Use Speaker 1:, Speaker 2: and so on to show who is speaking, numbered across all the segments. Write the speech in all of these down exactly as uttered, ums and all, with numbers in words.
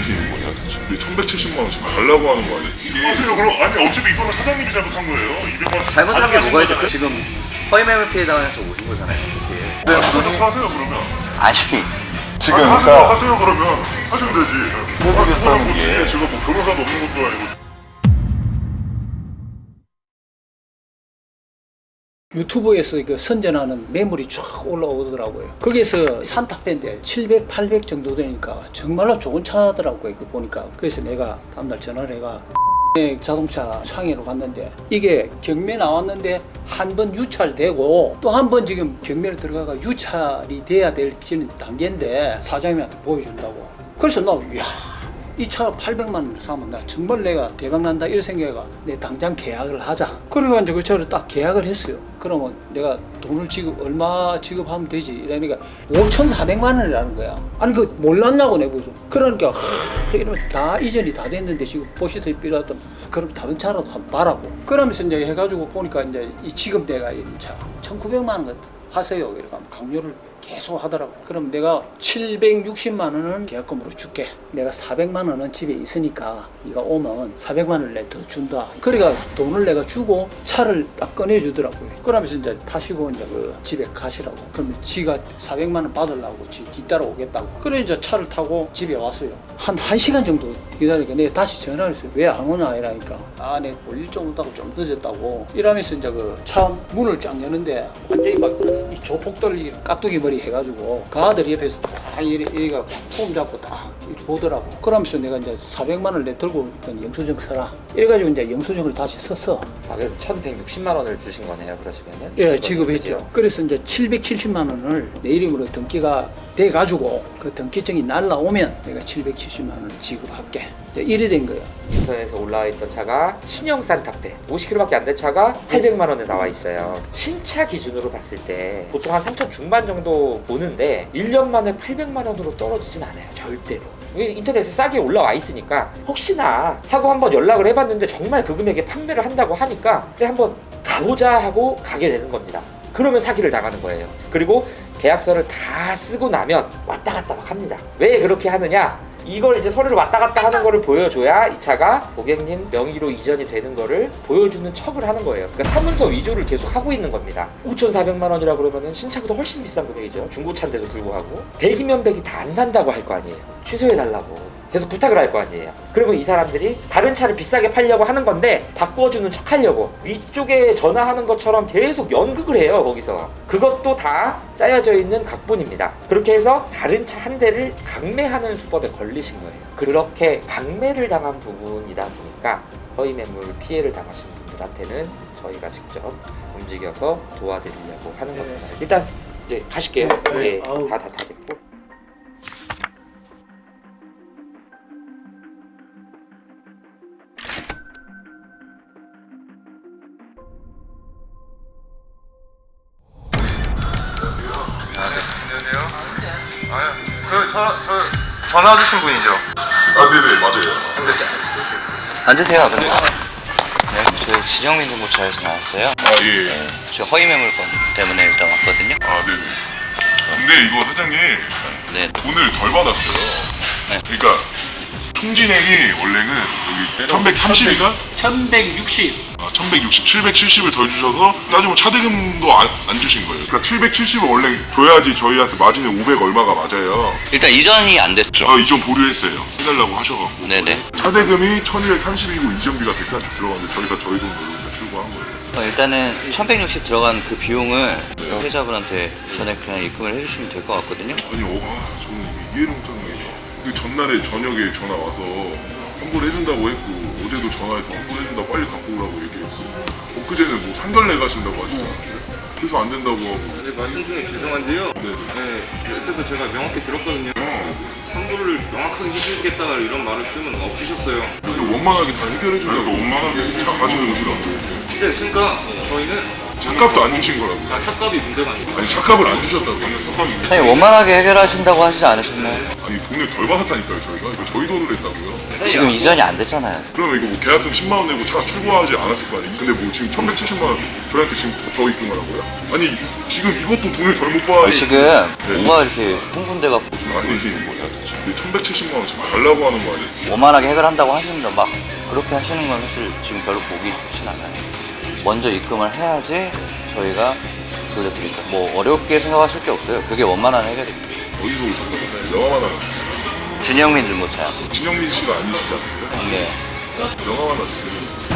Speaker 1: 정신인 거냐 대체? 천백칠십만 원 지금 달라고 하는 거 아니야?
Speaker 2: 하세요 그럼. 아니 어차피 이거는 사장님이 잘못한 거예요. 이백만 원
Speaker 3: 잘못한 게 뭐가 있죠?
Speaker 2: 거잖아요.
Speaker 3: 지금 허위매물 피해 당해서 오신 거잖아요, 사실.
Speaker 1: 네,
Speaker 2: 아니,
Speaker 1: 그러니
Speaker 2: 하세요 그러면.
Speaker 3: 아니,
Speaker 1: 지금
Speaker 2: 아니, 하세요
Speaker 1: 그러니까
Speaker 2: 하세요 그러면 하시면 되지.
Speaker 1: 모르겠다는
Speaker 2: 뭐
Speaker 1: 게
Speaker 2: 제가 뭐 변호사도 없는 것도 아니고.
Speaker 4: 유튜브에서 그 선전하는 매물이 쫙 올라오더라고요. 거기에서 산타페인데 칠백, 팔백 정도 되니까 정말로 좋은 차더라고요. 그 보니까. 그래서 내가 다음날 전화를 해가 자동차 상해로 갔는데 이게 경매 나왔는데 한 번 유찰되고 또 한 번 지금 경매를 들어가가 유찰이 돼야 될 단계인데 사장님한테 보여준다고. 그래서 나 이야 이 차 팔백만 원을 사면 나 정말 내가 대박난다 이런 생각해가 내 당장 계약을 하자. 그러니까 이제 그 차를 딱 계약을 했어요. 그러면 내가 돈을 지급 얼마 지급하면 되지 이러니까 오천사백만 원이라는 거야. 아니 그 몰랐냐고 내보죠. 그러니까 하, 이러면 다 이전이 다 됐는데 지금 보시다시피 필요하던 그럼 다른 차라도 한번 봐라고. 그러면서 이제 해가지고 보니까 이제 이 지금 내가 이 차 천구백만 원 하세요. 이렇게 강요를 계속 하더라고. 그럼 내가 칠백육십만 원은 계약금으로 줄게. 내가 사백만 원은 집에 있으니까 네가 오면 사백만 원을 내 더 준다. 그러니까 돈을 내가 주고 차를 딱 꺼내주더라고요. 그러면서 이제 타시고 이제 그 집에 가시라고. 그러면 지가 사백만 원 받으려고 지 뒤따라 오겠다고. 그래 이제 차를 타고 집에 왔어요. 한 1시간 정도 기다리니까 내가 다시 전화를 했어요. 왜 안 오냐 이러니까 아 내가 올 일 좀 없다고 좀 늦었다고. 이러면서 이제 그 차 문을 쫙 여는데 완전히 막 이 조폭들 깍두기 머리 해가지고 그 아들 옆에서 딱 이래 이래가 폼 잡고 딱 이렇게 보더라고. 그러면서 내가 이제 사백만 원을 내 들고 있던 영수증 써라. 이래가지고 이제 영수증을 다시 썼어.
Speaker 5: 아, 그래서 천백육십만 원을 주신 거네요, 그러시면은?
Speaker 4: 예, 지급했죠. 그래서 이제 칠백칠십만 원을 내 이름으로 등기가 돼가지고 그 등기증이 날라오면 내가 칠백칠십만 원을 지급할게. 이제 이래 된 거예요.
Speaker 5: 인터넷에서 올라와 있던 차가 신형 산타페 오십 킬로미터밖에 안 된 차가 팔백만 원에 나와 있어요. 신차 기준으로 봤을 때 보통 한 삼천 중반 정도 보는데 일 년 만에 팔백만 원으로 떨어지진 않아요, 절대로. 이게 인터넷에 싸게 올라와 있으니까 혹시나 하고 한번 연락을 해봤는데 정말 그 금액에 판매를 한다고 하니까 그래 한번 가보자 하고 가게 되는 겁니다. 그러면 사기를 당하는 거예요. 그리고 계약서를 다 쓰고 나면 왔다 갔다 막 합니다. 왜 그렇게 하느냐? 이걸 이제 서류를 왔다 갔다 하는 거를 보여줘야 이 차가 고객님 명의로 이전이 되는 거를 보여주는 척을 하는 거예요. 그러니까 사문서 위조를 계속 하고 있는 겁니다. 오천사백만 원이라 그러면은 신차보다 훨씬 비싼 금액이죠. 중고차인데도 불구하고 백이면 백이 다 안 산다고 할 거 아니에요. 취소해달라고 계속 부탁을 할 거 아니에요. 그러면 이 사람들이 다른 차를 비싸게 팔려고 하는 건데 바꿔주는 척 하려고 위쪽에 전화하는 것처럼 계속 연극을 해요. 거기서 그것도 다 짜여져 있는 각본입니다. 그렇게 해서 다른 차 한 대를 강매하는 수법에 걸리신 거예요. 그렇게 강매를 당한 부분이다 보니까 허위매물 피해를 당하신 분들한테는 저희가 직접 움직여서 도와드리려고 하는 겁니다. 일단 이제 가실게요.
Speaker 4: 네.
Speaker 5: 예,
Speaker 4: 아우.
Speaker 5: 다 다 다 됐고.
Speaker 6: 안녕하세요. 아, 그, 저, 저, 전화 주신 분이죠?
Speaker 1: 아 네네 맞아요.
Speaker 3: 앉으세요, 아버님. 네, 저희 진영민 정보차에서 나왔어요.
Speaker 1: 아 예. 예.
Speaker 3: 저 허위매물건 때문에 일단 왔거든요.
Speaker 1: 아 네네. 근데 이거 사장님
Speaker 3: 네.
Speaker 1: 돈을 덜 받았어요.
Speaker 3: 네.
Speaker 1: 그러니까 총진액이 원래는 여기 천백삼십인가?
Speaker 4: 천백육십.
Speaker 1: 아, 천백육십, 칠백칠십을 더 주셔서 따지면 차대금도 안, 안 주신 거예요. 그러니까 칠백칠십을 원래 줘야지 저희한테 마진이 오백 얼마가 맞아요.
Speaker 3: 일단 이전이 안 됐죠.
Speaker 1: 아, 이전 보류했어요. 해달라고 하셔갖고.
Speaker 3: 네네.
Speaker 1: 차대금이 천이백삼십이고 이전비가 백사십 들어갔는데 저희가 저희 돈으로 일단 출고한 거예요.
Speaker 3: 어, 일단은 천백육십 들어간 그 비용을 피해자분한테 전액 그냥 입금을 해주시면 될 것 같거든요.
Speaker 1: 아니, 어, 아, 저는 이게 이해를 못하는 게 그 전날에 저녁에 전화 와서 환불해준다고 했고 어제도 전화해서 환불해준다고 빨리 갖고 오라고 얘기했고 엊그제는 뭐 상견례 가신다고 하시잖아요. 그래서 안 된다고 하고.
Speaker 6: 네, 말씀 중에 죄송한데요.
Speaker 1: 네네.
Speaker 6: 네, 옆에서 제가 명확히 들었거든요.
Speaker 1: 어,
Speaker 6: 환불을 명확하게 해주겠다 이런 말을 쓰면 없으셨어요.
Speaker 1: 근데 원만하게 다 해결해준다고. 원만하게 차 가지고 오시라고.
Speaker 6: 근데 그러니까 저희는
Speaker 1: 차값도 안 주신 거라고.
Speaker 6: 아, 차값이 문제가 아니고
Speaker 1: 아니 차값을 안 주셨다고. 차값이
Speaker 3: 아니, 원만하게 해결하신다고 하시지 않으셨나요?
Speaker 1: 아니 돈을 덜 받았다니까요 저희가. 이거 저희 돈으로 했다고요.
Speaker 3: 지금 이전이 안 됐잖아요.
Speaker 1: 그러면 이거 뭐 계약금 십만 원 내고 차 출고하지 않았을 거 아니에요. 근데 뭐 지금 천백칠십만 원 저희한테 지금 더 입금을 하고요? 아니 지금 이것도 돈을 덜 못 받아.
Speaker 3: 지금 뭔가 이렇게 흥분돼갖고
Speaker 1: 아니지 뭐야 천백칠십만 원 지금 달라고 하는 거 아니에요?
Speaker 3: 오만하게 해결한다고 하시는데 막 그렇게 하시는 건 사실 지금 별로 보기 좋진 않아요. 먼저 입금을 해야지 저희가 돌려드릴까. 뭐 어렵게 생각하실 게 없어요. 그게 원만한 해결입니다.
Speaker 1: 어디서 오셨다고? 영화만 하나 주세요.
Speaker 3: 준영민 중고차요.
Speaker 1: 진영민 씨가 아니시지 않습니까?
Speaker 3: 네.
Speaker 1: 영화 하나 주세요.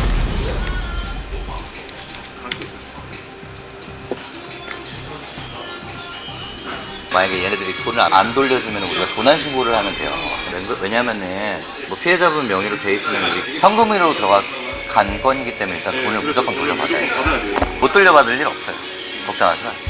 Speaker 3: 만약에 얘네들이 돈을 안 돌려주면 우리가 도난 신고를 하면 돼요. 왜냐면은 뭐 피해자분 명의로 돼 있으면 우리 현금으로 들어간 건이기 때문에 일단 돈을 무조건 돌려받아야 돼요. 못 돌려받을 일 없어요. 걱정하지 마세요.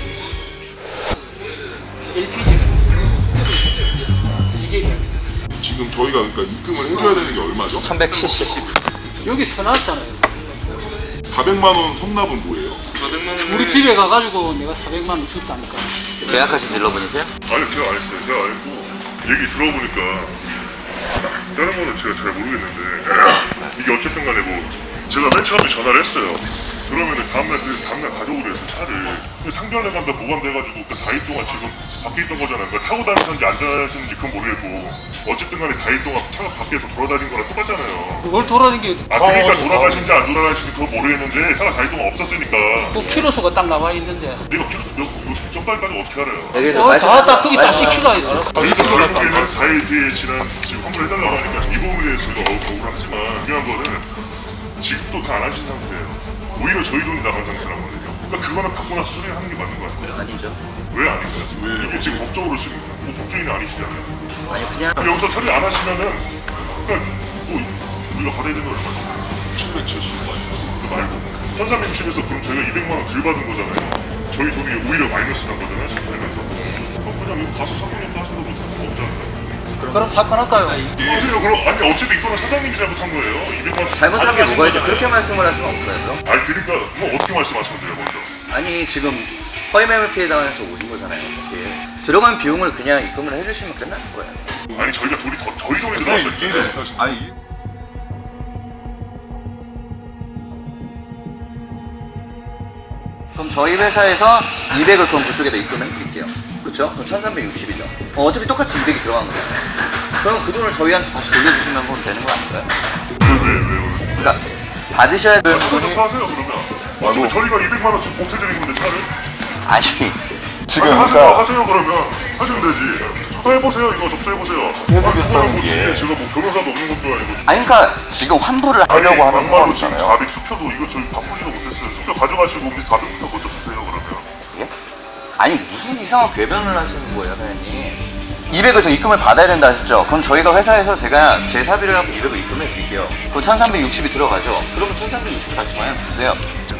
Speaker 1: 지금 저희가 그러니까 입금을 해줘야 되는 게 얼마죠?
Speaker 3: 천백칠십.
Speaker 4: 여기 써놨잖아요.
Speaker 1: 사백만 원 선납은 뭐예요?
Speaker 4: 우리 집에 가가지고 내가 사백만 원 줬다니까.
Speaker 3: 계약하신 딜러분이세요?
Speaker 2: 아니 제가 안 했어요. 제가 알고 얘기 들어보니까 다른 거는 제가 잘 모르겠는데 이게 어쨌든 간에 뭐 제가 맨 처음에 전화를 했어요. 그러면은 다음날 그 다음날 가져오래 해서 차를 근데 상견례 간다 보관돼가지고 그 사 일 동안 지금 밖에 있던 거잖아요. 그러니까 타고 다니셨는지 안 다니셨는지 그건 모르겠고 어쨌든 간에 사 일 동안 차가 밖에서 돌아다닌 거랑 똑같잖아요.
Speaker 4: 그걸 돌아다니게
Speaker 2: 아 그러니까 돌아가신지 안 돌아가신지 그건 모르겠는데 차가 사 일 동안 없었으니까
Speaker 4: 그 키로수가 딱 나와 있는데.
Speaker 2: 내가 키로수 몇, 몇 정도까지 어떻게 알아요?
Speaker 3: 여기서
Speaker 4: 어, 다, 다 거기 딱 찍히가 있어.
Speaker 2: 그래서 결국에는 사 일 뒤에 지난 지금 환불 해달라고 하니까 이 부분에 대해서 저희가 억울하지만 중요한 거는 지급도 다 안 하신 상태예요. 오히려 저희 돈이 나간 상태라거든요. 그러니까 그거는 받고 나서 처리하는 게 맞는 거 같아요.
Speaker 3: 아니죠.
Speaker 2: 왜 아닌가요? 왜 이게 지금 법적으로 지금 뭐 법조인이 아니시잖아요.
Speaker 3: 아니 그냥
Speaker 2: 그럼 여기서 처리 안 하시면은 그러니까 뭐 우리가 받아야 되는 거 얼마죠?
Speaker 1: 칠백칠십만 원.
Speaker 2: 그 말고 천삼백육십에서 그럼 저희가 이백만 원 덜 받은 거잖아요. 저희 돈이 오히려 마이너스 난 거잖아요. 지금 살면서. 그럼 그냥 이거 가서 사장님도 하셔도 못할 거 없잖아요.
Speaker 4: 그럼 사건 할까요?
Speaker 2: 그러세요. 그럼 아니 어차피 이거는 사장님이 잘못한 거예요. 이백만 원
Speaker 3: 잘못한 게
Speaker 2: 가져가신
Speaker 3: 뭐가 있죠?
Speaker 2: 거잖아요.
Speaker 3: 그렇게 말씀을 하시면 없어야죠.
Speaker 2: 아니 그러니까 뭐 어떻게 말씀하셨는데요 먼저?
Speaker 3: 아니 지금 허위매물 피해 당해서 오신 거잖아요. 사실 들어간 비용을 그냥 입금을 해주시면 끝나는 거예요.
Speaker 2: 아니 저희가 돈이 더 저희 돈이
Speaker 1: 이해를
Speaker 2: 들어갔는데
Speaker 1: 못하시는 아니 이-
Speaker 3: 그럼 저희 회사에서 이백을 그럼 그쪽에다 입금해 드릴게요. 그쵸? 그럼 천삼백육십이죠. 어, 어차피 똑같이 이백이 들어간 거잖아요. 그럼 그 돈을 저희한테 다시 돌려주시면 그럼 되는 거 아닌가요?
Speaker 2: 왜 왜요?
Speaker 3: 그러니까 받으셔야 되는
Speaker 2: 저도
Speaker 3: 분이
Speaker 2: 좀 하세요 그러면. 어차피 저희가 이백만 원 지금 보태드린 건데 차를.
Speaker 3: 아니
Speaker 1: 지금
Speaker 2: 아니, 하세요
Speaker 1: 그러니까
Speaker 2: 하세요 그러면 하시면 되지. 접수해보세요 이거 접수해보세요.
Speaker 1: 해보겠다는
Speaker 2: 뭐
Speaker 1: 게.
Speaker 2: 제가 뭐 변호사도 없는 것도 아니고.
Speaker 3: 아니 그러니까 지금 환불을
Speaker 2: 아니,
Speaker 3: 하려고 하는
Speaker 2: 막말로 지금
Speaker 3: 상황이잖아요.
Speaker 2: 자백 수표도 이거 저희 바꾸지도 못했어요. 수표 가져가시고 우리 자백부터 먼저 주세요 그러면.
Speaker 3: 예? 아니 무슨 이상한 궤변을 하시는 거예요, 사장님? 이백을 더 입금을 받아야 된다 하셨죠? 그럼 저희가 회사에서 제가 제 사비로 해서 이백을 입금해 드릴게요. 그럼 천삼백육십이 들어가죠? 그러면 천삼백육십 다시 저희한테 주세요.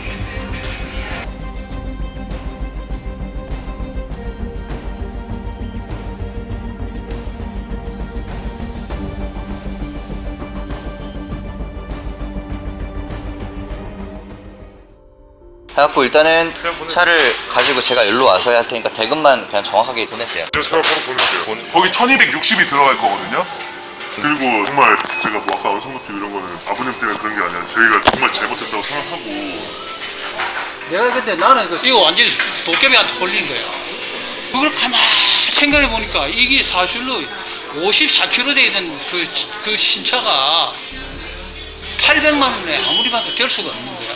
Speaker 3: 해갖고 일단은 차를 가지고 제가 일로 와서 할 테니까 대금만 그냥 정확하게 보내세요.
Speaker 2: 제가 바로 보낼게요.
Speaker 1: 거기 천이백육십이 들어갈 거거든요.
Speaker 2: 그리고 정말 제가 뭐 아까 언성높이 이런 거는 아버님 때문에 그런 게 아니라 저희가 정말 잘못했다고 생각하고
Speaker 4: 내가 근데 나는 그 이거 완전히 도깨비한테 걸린 거야. 그걸 가만히 생각해 보니까 이게 사실로 오십사 킬로미터 돼 있는 그, 그 신차가 팔백만 원에 아무리 봐도 될 수가 없는 거야.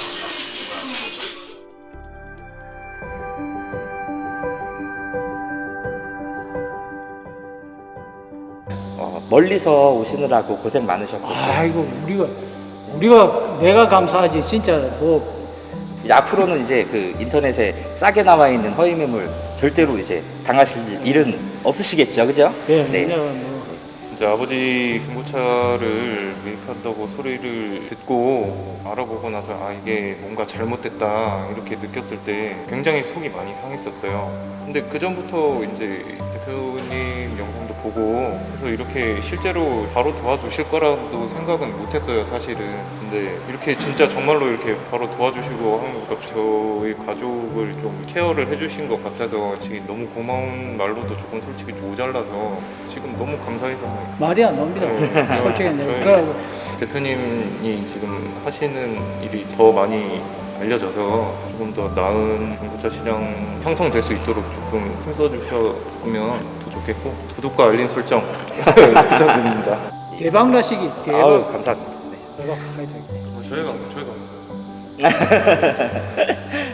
Speaker 5: 어, 멀리서 오시느라고 고생 많으셨고
Speaker 4: 아이고 우리가 우리가 내가 감사하지 진짜 뭐
Speaker 5: 이제 앞으로는 이제 그 인터넷에 싸게 나와 있는 허위 매물 절대로 이제 당하실 일은 없으시겠죠, 그죠?
Speaker 4: 예,
Speaker 5: 네.
Speaker 4: 그냥 뭐
Speaker 6: 이제 아버지 중고차를 매입한다고 소리를 듣고 알아보고 나서 아 이게 뭔가 잘못됐다 이렇게 느꼈을 때 굉장히 속이 많이 상했었어요. 근데 그 전부터 이제 대표님 영상도 보고 그래서 이렇게 실제로 바로 도와주실 거라도 생각은 못했어요 사실은. 근데 이렇게 진짜 정말로 이렇게 바로 도와주시고 하는 것 저희 가족을 좀 케어를 해주신 것 같아서 지금 너무 고마운 말로도 조금 솔직히 모자라서 지금 너무 감사해서
Speaker 4: 말이 안 나옵니다.
Speaker 6: 네.
Speaker 4: 솔직히
Speaker 6: 저희
Speaker 4: 내가 그러고
Speaker 6: 대표님이 지금 하시는 일이 더 많이 알려져서 조금 더 나은 중고차 시장 형성될 수 있도록 조금 힘써주셨으면 더 좋겠고 구독과 알림 설정 부탁드립니다.
Speaker 4: 대박 나시기 대박.
Speaker 5: 아우 감사합니다.
Speaker 4: 대박. 하여튼.
Speaker 6: 저희가 저희가